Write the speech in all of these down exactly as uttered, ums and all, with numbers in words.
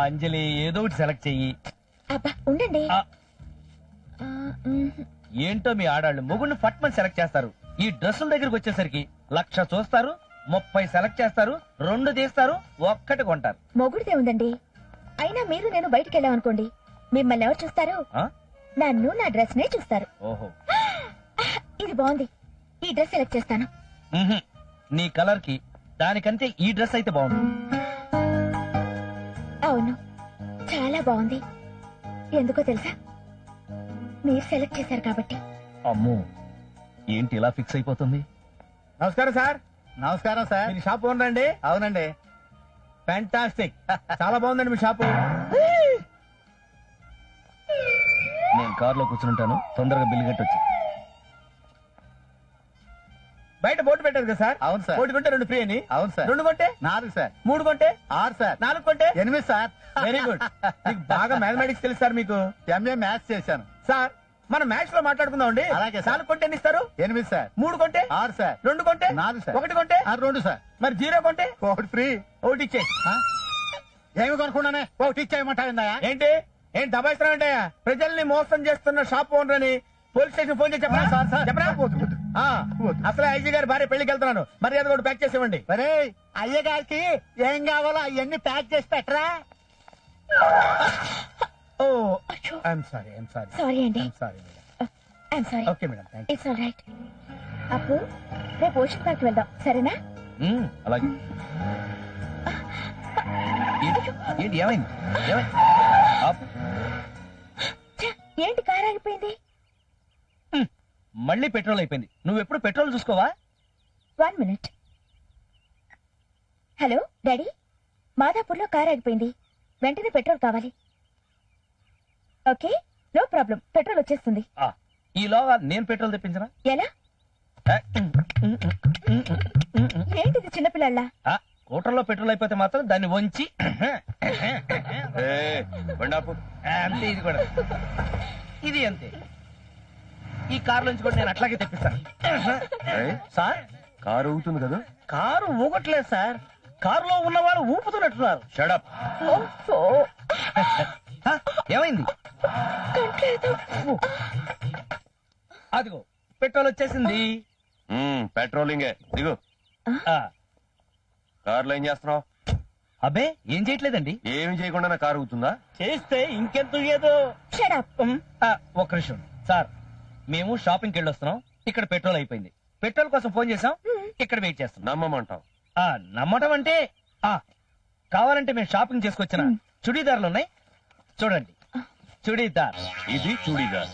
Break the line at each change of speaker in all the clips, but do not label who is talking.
అంజలి ఏదో ఒకటి సెలెక్ట్ చెయ్యి.
అబ్బా ఉండండి.
ఆ,
ఆ, మ్,
ఏంటో మీ ఆడాళ్ళు మొగుడిని ఫట్మని సెలెక్ట్ చేస్తారు. ఈ డ్రెస్సుల దగ్గరికి వచ్చేసరికి లక్ష చూస్తారు, ముప్పై సెలెక్ట్ చేస్తారు, రెండు తీస్తారు, ఒక్కటి కొంటారు.
మొగుడిదే ఉందండి. అయినా మీరు నేను బయటికి వెళ్ళామనుకోండి, మిమ్మల్ని ఎవరు చూస్తారు?
ఆ?
నన్ను నా డ్రెస్ నే చూస్తారు.
ఓహో.
ఇది బాగుంది, ఈ డ్రెస్ సెలెక్ట్ చేస్తాను.
మ్హూ. నీ కలర్ కి దానికంటే ఈ డ్రెస్ అయితే బాగుంటుంది.
అవును, చాలా బాగుంది. ఎందుకో తెలుసా? మీరు సెలెక్ట్ చేశారు కాబట్టి.
అమ్మో, ఏంటి ఇలా ఫిక్స్ అయిపోతుంది?
నమస్కారం సార్.
నమస్కారం సార్.
మీ షాప్ ఓనర్ అండి?
అవునండి.
ఫ్యాంటాస్టిక్, చాలా బాగుందండి మీ షాపు.
నేను కారులో కూర్చుంటాను, తొందరగా బిల్లు కట్టొచ్చు.
బయట బోర్డు పెట్టారు కదా సార్?
అవును సార్.
ఒకటి కొంటే రెండు ఫ్రీ అని.
అవును సార్.
రెండు కొంటే
నాలుగు సార్.
మూడు కొంటే
ఆరు సార్.
నాలుగు కొంటే
ఎనిమిది సార్.
Very good. మీకు బాగా మ్యాథమెటిక్స్ తెలుసు సార్ మీకు.
ఎంఏ మ్యాథ్స్ చేశాను
సార్ మనం మ్యాథ్స్ లో మాట్లాడుకుందాం అండి.
అలాగే సార్.
నాలుగు కొంటే ఎన్ని ఇస్తారు?
ఎనిమిది సార్.
మూడు కొంటే
ఆరు సార్.
రెండు కొంటే
నాలుగు సార్.
ఒకటి కొంటే
ఆ, రెండు సార్.
మరి జీరో కొంటే
ఒకటి ఫ్రీ.
ఒకటి ఇచ్చే.
ఆ? ఏమి కొనుక్కున్నానే ఒకటి ఇచ్చేయమంటావిందా?
ఏంటి ఏంటి దబాయిస్తున్నావు అంటే? ప్రజల్ని మోసం చేస్తున్న షాప్ ఓనర్ అని పోలీస్ స్టేషన్ ఫోన్ చేసి చెప్పరా?
Sir, sir.
చెప్పరా?
వద్దు, వద్దు.
ఆ,
వద్దు.
అసలే ఐజీ గారి భార్య పెళ్లికి వెళ్తున్నాను, మరి అది కూడా ప్యాక్ చేసి ఇవ్వండి.
మరే అయ్య గారికి ఏం కావాలో అవన్నీ ప్యాక్ చేసి పెట్టరా.
ఓ
అచ్చో.
I'm sorry I'm sorry
sorry అండి.
I'm sorry madam.
I'm sorry.
Okay madam, thank you.
It's all right. Appu, రేపు ఓషన్ పార్క్ వెళ్దాం, సరేనా?
మ్మ్, అలాగే. ఏంటి ఏంటి, ఏమైంది ఏమైంది? ఆపు.
ఛ, ఏంటి కార్ ఆగిపోయింది?
మ్మ్, మళ్ళీ పెట్రోల్ అయిపోయింది. నువ్వు ఎప్పుడు పెట్రోల్ చూసుకోవా?
One minute. హలో డాడీ, మాదాపూర్లో కార్ ఆగిపోయింది, వెంటనే పెట్రోల్ కావాలి. ఓకే, నో ప్రాబ్లం, పెట్రోల్ వచ్చేస్తుంది.
ఆ, ఈలోగా నేను పెట్రోల్ తెప్పించనా?
ఎలా?
ఆ, మ్మ్, మ్మ్, మ్మ్, మ్మ్, మ్మ్, మ్మ్.
ఏంటిది చిన్నపిల్లల?
ఆ, స్కూటర్లో పెట్రోల్ అయిపోతే మాత్రం దాన్ని వంచి అంతే. ఇది కూడా ఇది అంతే. ఈ కారు నుంచి కూడా నేను అట్లాగే తెప్పిస్తాను. సార్,
కారు ఊగుతుంది కదా.
కారు ఊగట్లేదు సార్, కారులో ఉన్న వాళ్ళు ఊపుతున్నట్టున్నారు. షడప్.
ఓఫో,
ఏమైంది?
కంట్లేదు.
అదిగో పెట్రోల్ వచ్చేసింది.
పెట్రోలింగే దిగు.
ఆ,
కారులో ఏం చేస్తున్నావు?
అబ్బే ఏం చేయట్లేదండి.
ఏమి చేయకుండా నా కారు ఊగుతుందా?
చేస్తే ఇంకెంత ఏదో.
Shut up.
ఒక్క నిమిషం సార్, మేము షాపింగ్కి వెళ్ళి వస్తున్నాం, ఇక్కడ పెట్రోల్ అయిపోయింది. పెట్రోల్ కోసం ఫోన్ చేసాం, ఇక్కడ వెయిట్ చేస్తున్నాం.
నమ్మమంటావు?
ఆ, నమ్మటం అంటే ఆ కావాలంటే మేము షాపింగ్ చేసుకొచ్చిన చుడీదార్లు ఉన్నాయి, చూడండి. చుడీదార్.
ఇది చూడీదార్.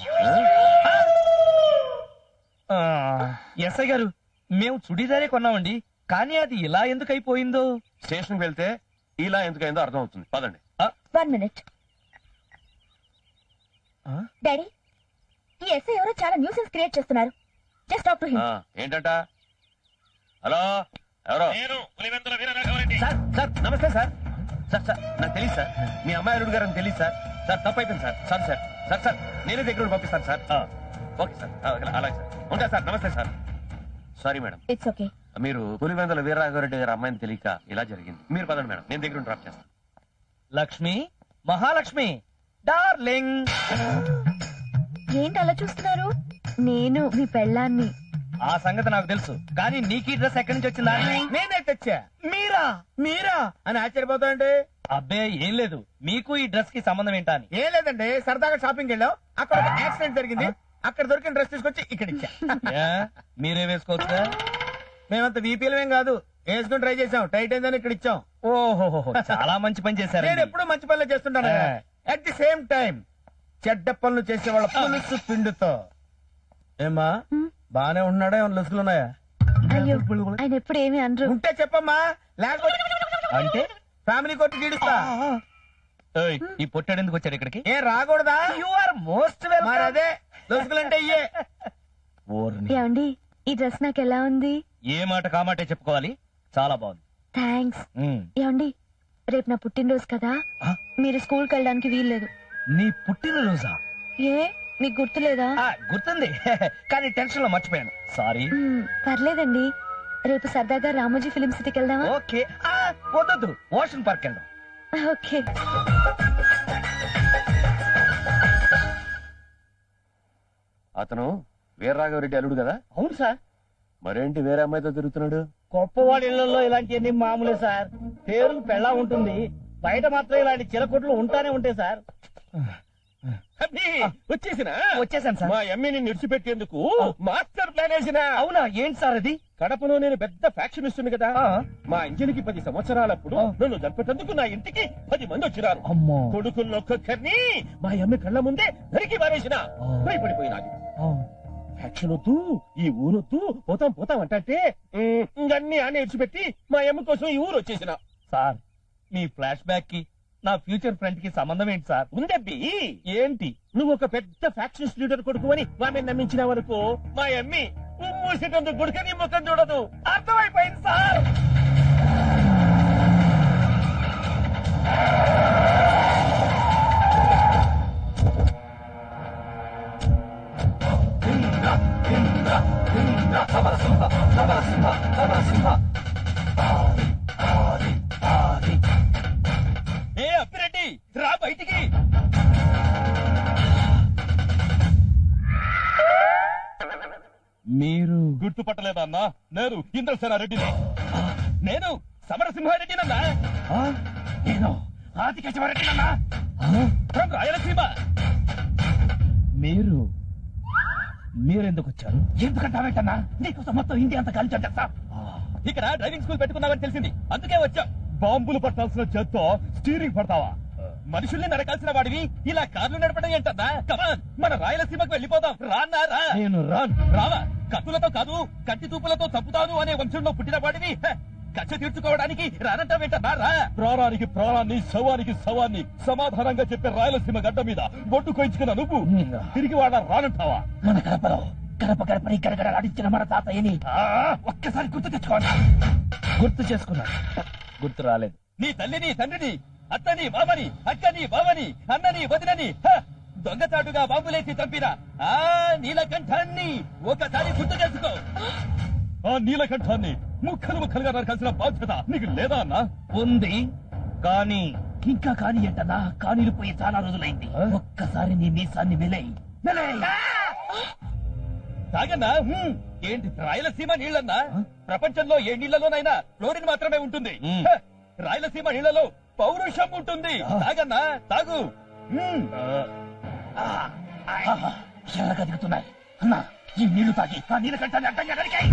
ఎస్ఐ గారు, మేము చుడీదారే కొన్నామండి, కానీ అది ఇలా ఎందుకు అయిపోయిందో.
స్టేషన్కి వెళ్తే ఇలా ఎందుకైందో అర్థం అవుతుంది. పదండి.
One minute. డాడీ, ఈ ఎస్ఐ ఎవరో చాలా న్యూసెన్స్ క్రియేట్ చేస్తున్నారు. Just talk to him.
ఆ, ఏంటంట? హలో, ఎవరో?
సార్ సార్ నమస్తే సార్. సార్ సార్ నాకు తెలియదు సార్, మీ అమ్మాయి అల్లుడు గారు అని తెలియదు సార్. సార్ తప్పు అయిపోయింది sir. Sir sir sir sir నేనే దగ్గర పంపిస్తాను సార్. ఓకే సార్, అలాగే సార్. ఉంటా సార్. నమస్తే sir. Sorry madam.
It's okay.
మీరు పులివెందుల వీరరాఘవరెడ్డి గారి అమ్మాయిని తెలియక ఇలా జరిగింది. మీరు పదండి మేడం, నేను దగ్గర డ్రాప్ చేస్తాను.
లక్ష్మి, మహాలక్ష్మి డార్లింగ్.
ఏంటి అలా చూస్తున్నారు? నేను మీ పెళ్ళాన్ని.
ఆ సంగతి నాకు తెలుసు, కానీ నీకు ఈ డ్రెస్ ఎక్కడి నుంచి వచ్చిందా?
నేనే తెచ్చా.
మీరా
మీరా అని ఆశ్చర్యపోతాయండి.
అబ్బే ఏం లేదు, మీకు ఈ డ్రెస్ కి సంబంధం ఏంటా అని.
ఏం లేదండి, సరదాగా షాపింగ్ వెళ్ళాం, అక్కడ ఒక యాక్సిడెంట్ జరిగింది, అక్కడ దొరికిన డ్రెస్ తీసుకొచ్చి ఇక్కడ ఇచ్చా.
ఏ, మీరే వేసుకోవచ్చుగా.
మేమంత వీపీలమేం కాదు, వేసుకుని ట్రై చేసాం, టైట్ అయిందని ఇక్కడ ఇచ్చాం.
ఓహో, చాలా మంచి పని చేశారు.
నేను ఎప్పుడు మంచి పనులు చేస్తుంటాను. అట్ ది సేమ్ టైం చెడ్డ పనులు చేసే వాళ్ళ పులుసు పిండుతో. ఏమా బానే ఉన్నాడా? ఏమైనా లొసుగులు ఉన్నాయా?
అయ్యో, ఆయన ఎప్పుడు ఏమి అనరు.
ఉంటే చెప్పమ్మా, లేకపోతే
అంటే
ఫ్యామిలీ కోర్టు గీడుస్తా.
ఏయ్, ఈ పొట్టాడు ఎందుకు వచ్చాడు ఇక్కడికి?
ఏం రాకూడదా?
యు ఆర్ మోస్ట్
మరి
వెల్కమ్.
అదే లొసుగులంటే ఇయ్యే.
ఏమండి, ఈ డ్రెస్ నాకు ఎలా ఉంది?
ఏ మాట కామాటే చెప్పుకోవాలి, చాలా బాగుంది.
థ్యాంక్స్.
ఉమ్.
ఏమండి, రేపు నా పుట్టినరోజు కదా,
ఆ?
మీరు స్కూల్కి వెళ్ళడానికి వీల్లేదు.
నీ పుట్టినరోజా?
ఏ, మీకు గుర్తులేదా?
ఆ, గుర్తుంది, కానీ టెన్షన్ లో మర్చిపోయాను, సారీ.
మ్మ్, పర్లేదండి, రేపు సరదాగా రామోజీ ఫిలిం సిటీకి వెళ్దామా?
ఓకే. ఆ, వద్దొద్దు, ఓషన్ పార్క్ వెళ్దాం.
ఓకే.
అతను వీరరాఘవరెడ్డి అల్లుడు కదా?
అవును సార్.
మరేంటి వేరే అమ్మాయితో తిరుగుతున్నాడు?
గొప్పవాడి ఇళ్లలో ఇలాంటివన్నీ మామూలే సార్. పేరుకు పెళ్ళా ఉంటుంది, బయట మాత్రం ఇలాంటి చిలకొట్లు ఉంటానే ఉంటాయి సార్.
వచ్చేసిన
వచ్చేసాను సార్.
మా ఎమ్మెని నిడిచిపెట్టేందుకు మాస్టర్ ప్లాన్ వేసిన.
అవునా, ఏంటి సార్ అది?
కడపలో నేను పెద్ద ఫ్యాక్షన్ ఇస్తుంది కదా,
ఆ.
మా ఇంజనికి పది సంవత్సరాలప్పుడు
ఆ.
నన్ను చంపేటందుకు నా ఇంటికి పది మంది వచ్చినారు.
అమ్మో.
కొడుకున్నొక్కొక్కరిని మా అమ్మ కళ్ళ ముందే నరికి పారేసిన.
ఆ.
భయపడిపోయినాది. ఫ్యాక్షన్ వద్దు, ఈ ఊరొద్దు, పోతాం పోతాం అంటే ఇంకన్నీ ఆనే ఇడిచిపెట్టి మా అమ్మ కోసం ఈ ఊరు వచ్చేసిన.
సార్, మీ ఫ్లాష్ బ్యాక్ కి నా ఫ్యూచర్ ఫ్రెండ్ కి సంబంధం ఏంటి సార్?
ఉందబ్బి,
ఏంటి?
నువ్వు ఒక పెద్ద ఫ్యాక్షన్ లీడర్ కొడుకు అని ఆమె నమ్మించిన వరకు మా అమ్మి మూసేటందుకు గుడికని ముఖం చూడదు.
అర్థమైపోయింది సార్.
ఏ అప్పిరెడ్డి, రా బయటికి.
మీరు
గుర్తుపట్టలేదా అన్నా? నేను ఇంద్రసేనారెడ్డిని. నేను సమరసింహారెడ్డినన్నా. నేను ఆదికేశవరెడ్డినన్నా. ఫ్రమ్ రాయలసీమ.
మీరు మీరెందుకు వచ్చారు?
ఎందుకంటావేంటన్నా? నీకోసం మొత్తం ఇండియా అంతా కలిసి వచ్చేస్తా. ఇక్కడ డ్రైవింగ్ స్కూల్ పెట్టుకున్నావని తెలిసింది, అందుకే వచ్చా. బాంబులు పట్టాల్సిన చేత్తో స్టీరింగ్ పడతావా? మనుషుల్ని నరకాల్సిన వాడివి ఇలా కార్లు నడపడం ఏంటన్నా? కమాన్, మన రాయలసీమకు వెళ్ళిపోదాం. రాన్నా రా.
నేను రాను.
రావా? కత్తులతో కాదు, కత్తి తూపులతో చంపుతాను అనే వంశంలో పుట్టిన వాడివి. హ, కక్ష తీర్చుకోవడానికి రానంటావేంటన్నా? రా. ప్రాణానికి ప్రాణాన్ని, శవానికి శవాన్ని సమాధానంగా చెప్పే రాయలసీమ గడ్డ మీద బొట్టు కోయించుకున్న నువ్వు తిరిగి వాడ రానంటావా?
మన కడపలో గడప గడపని గడగడలాడించిన మన తాతయ్యని
ఒక్కసారి గుర్తు తెచ్చుకోండి.
గుర్తు చేసుకున్నాను, గుర్తు రాలేదు.
నీ తల్లిని, తండ్రిని, అత్తని, మామని, అక్కని, బావని, అన్నని, వదినని హ, దొంగచాటుగా బాంబులేసి చంపిన ఆ నీలకంఠాన్ని ఒకసారి గుర్తు చేసుకో. ఆ నీలకంఠాన్ని ముక్కలు ముక్కలుగా నరకాల్సిన బాధ్యత నీకు లేదా అన్నా?
ఉంది, కానీ
ఇంకా కాని ఏంటన్నా? కానీలు పోయి చాలా రోజులైంది.
ఆ?
ఒక్కసారి నీ మీసాన్ని మెలై తాగన్నా. హ్మ్. ఏంటి రాయలసీమ నీళ్ళన్నా? ప్రపంచంలో ఏ నీళ్లలోనైనా క్లోరిన్ మాత్రమే ఉంటుంది.
మ్.
హ, రాయలసీమ నీళ్లలో పౌరుషం ఉంటుంది. తాగన్నా, తాగు. హ్మ్. ఎలాగా దిగుతున్నాయి అన్నా? ఈ నీళ్లు తాగి ఆ నీళ్ళ కంటే అడ్డంగా నరికాయి.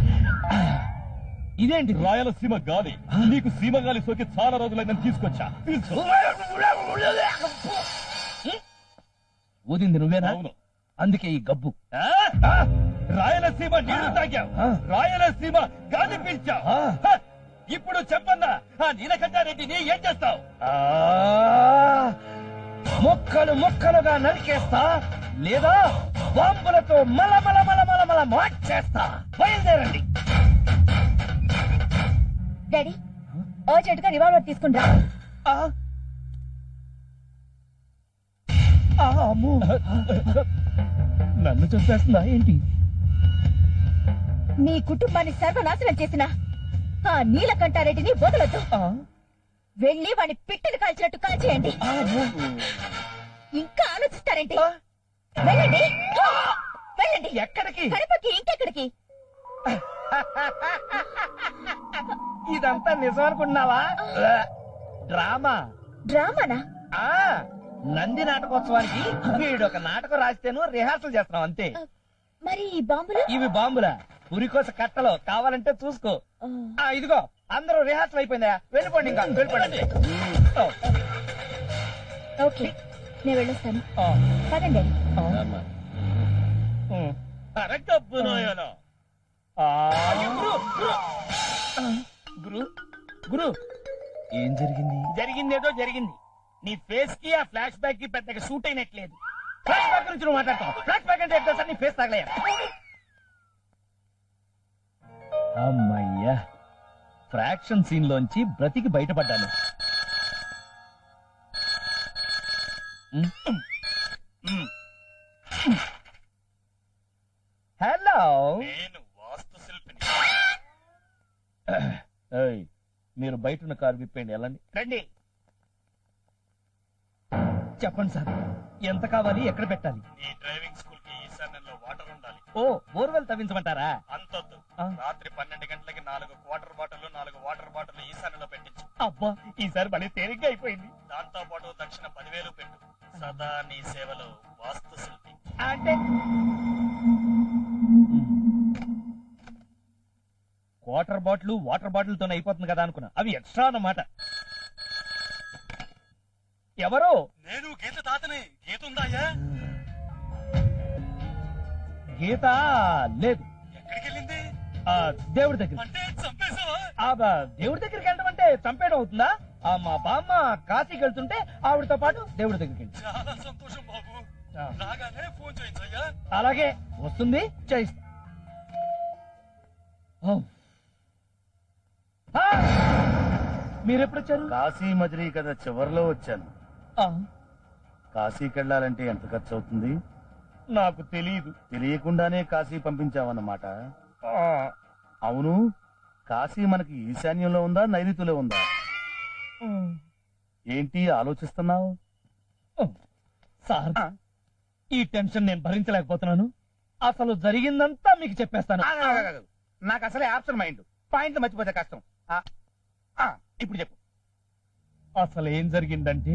ఇదేంటి?
రాయలసీమ గాలి నీకు సీమ గాలి సోకి చాలా రోజులైందని తీసుకొచ్చా. తీసుకో.
ఊదింది నువ్వేనా?
అవును.
అందుకే ఈ గబ్బు.
ఆ? ఆ? రాయలసీమ నీళ్లు తాగావు,
ఆ.
రాయలసీమ గాలి పీల్చావు.
ఆ.
హ! ఇప్పుడు చెప్పన్నా, ఆ నీలకంఠారెడ్డిని ఏం చేస్తావు?
ఆ, ముక్కలు ముక్కలుగా నరికేస్తా, లేదా బాంబులతో మల మల మల మల మల మార్చేస్తా. బయలుదేరండి.
డాడీ, అర్జెంట్ గా రివాల్వర్ తీసుకుంటా.
ఆ, ఆ, అమ్మో. నన్ను చంపేస్తుందా ఏంటి?
నీ కుటుంబాన్ని సర్వనాశనం చేసిన ఆ నీలకంఠారెడ్డిని వదలొద్దు.
ఆ,
వెళ్ళి వాడిని పిట్టలు కాల్చినట్టు కాల్చేయండి.
ఆ, అమ్మో.
ఇంకా ఆలోచిస్తారేంటి?
ఆ.
వెళ్ళండి, వెళ్ళండి.
ఎక్కడికి?
కడపకి, ఇంకెక్కడికి?
ఇదంతా నిజం అనుకుంటున్నావా? డ్రామా.
డ్రామానా?
ఆ, నంది నాటకోత్సవానికి వీడు ఒక నాటకం రాస్తేను రిహార్సల్ చేస్తున్నాం అంతే.
మరి ఈ బాంబులు?
ఇవి బాంబులా? పురికోస కట్టలో కావాలంటే చూసుకో. ఆ, ఇదిగో అందరూ రిహార్సల్ అయిపోయిందా? వెళ్ళిపోండి, ఇంకా వెళ్ళిపోండి. ఓ,
ఓకే, నేను వెళ్ళొస్తాను.
ఆ,
పదండి.
ఆ, ఉమ్.
అరగబ్బు నాయనా.
ఆ,
గురు, గురు.
గురు గురు ఏం జరిగింది?
జరిగిందేదో జరిగింది. నీ ఫేస్ కి ఆ ఫ్లాష్ బ్యాక్ కి పెద్దగా సూట్ అయినట్లేదు.
ఫ్లాష్ బ్యాక్ గురించి నువ్వు మాట్లాడతావు. ఫ్లాష్ బ్యాక్ అంటే ఎట్లా సార్? నీ ఫేస్ తగలయ్యా. అమ్మయ్యా, ఫ్రాక్షన్ సీన్ లోంచి బ్రతికి బయటపడ్డాను. హలో,
నేను వాస్తు శిల్పిని.
ఏయ్, మీరు బయట ఉన్న కారు విప్పండి, వెళ్ళండి.
రండి.
చెప్పండి సార్, ఎంత కావాలి, ఎక్కడ పెట్టాలి?
ఈ డ్రైవింగ్ స్కూల్ కి ఈశాన్యంలో వాటర్ ఉండాలి.
ఓ, బోర్వెల్ తవ్వించమంటారా?
అంతొద్దు.
ఆ.
రాత్రి పన్నెండు గంటలకి నాలుగు వాటర్ బాటిల్ నాలుగు వాటర్ బాటిల్ ఈశాన్యంలో పెట్టించు.
అబ్బా, ఈసారి మళ్ళీ తేలిగ్గా అయిపోయింది.
దాంతో పాటు దక్షిణ పదివేలు పెట్టు. సదా నీ సేవలో వాస్తు శిల్పి.
అంటే వాటర్ బాటిల్ వాటర్ బాటిల్ తోనే అయిపోతుంది కదా అనుకున్నా, అవి ఎక్స్ట్రా అన్నమాట. ఎవరు?
నేను గీత తాతని. గీత ఉందాయా?
గీత లేదు.
ఎక్కడికి వెళ్ళింది?
ఆ దేవుడి దగ్గర.
అంటే చంపేశావా?
ఆ బ- దేవుడి దగ్గరికి వెళ్ళడం అంటే చంపేయడం అవుతుందా? ఆ మా బామ్మ కాశీకి వెళ్తుంటే ఆవిడతో పాటు దేవుడి దగ్గరికి వెళ్ళి.
చాలా సంతోషం బాబు.
ఆ.
రాగానే ఫోన్ చేయించయ్యా.
అలాగే వస్తుంది, చేయిస్తా. ఓ. ఆ! మీరెప్పుడు వచ్చారు?
కాశీ మజిలీ కదా చివరిలో వచ్చాను.
ఆ,
కాశీకి వెళ్ళాలంటే ఎంత ఖర్చు అవుతుంది?
నాకు తెలియదు.
తెలియకుండానే కాశీ పంపించావన్నమాట.
ఆ,
అవును, కాశీ మనకి ఈశాన్యంలో ఉందా నైరుతిలో ఉందా?
ఉమ్,
ఏంటి ఆలోచిస్తున్నావు?
ఉమ్. సార్, ఈ టెన్షన్ నేను భరించలేకపోతున్నాను. అసలు జరిగిందంతా మీకు చెప్పేస్తాను.
నాకు అసలే ఆప్షన్ మైండ్. పాయింట్లు మర్చిపోతే కష్టం. ఆ, ఆ, ఇప్పుడు చెప్పు.
అసలు ఏం జరిగిందంటే,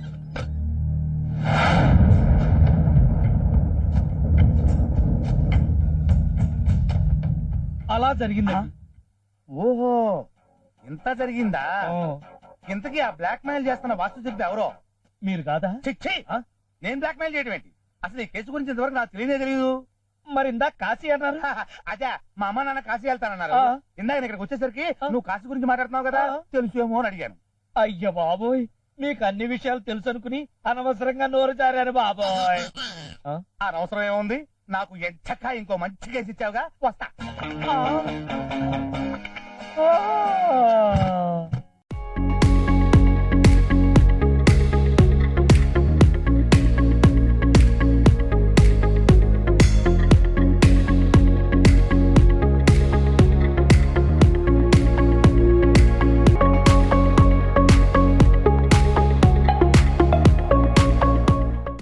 అలా జరిగిందండి.
ఓహో, ఇంత జరిగిందా?
ఓ,
ఇంతకీ ఆ బ్లాక్ మెయిల్ చేస్తున్న వాస్తు శిల్పి ఎవరో?
మీరు కాదా?
చిచ్చి, నేను బ్లాక్ మెయిల్ చేయడం ఏంటి? అసలు ఈ కేసు గురించి ఇంతవరకు నాకు తెలియనే తెలియదు.
మరి ఇందాక కాశీ అన్నారు.
అదే మా అమ్మ నాన్న కాశీ వెళ్తానన్నారు.
ఆ.
ఇందాక నేను ఇక్కడికి వచ్చేసరికి
ఆ.
నువ్వు కాశీ గురించి మాట్లాడుతున్నావు కదా,
ఆ.
తెలుసేమో అని అడిగాను.
అయ్య బాబోయ్, మీకు అన్ని విషయాలు తెలుసు అనుకుని అనవసరంగా నోరు జారారు బాబోయ్. ఆ?
అనవసరం ఏముంది? నాకు ఎంచక్క ఇంకో మంచి కేసు ఇచ్చావుగా, వస్తా.
ఆ. ఆ.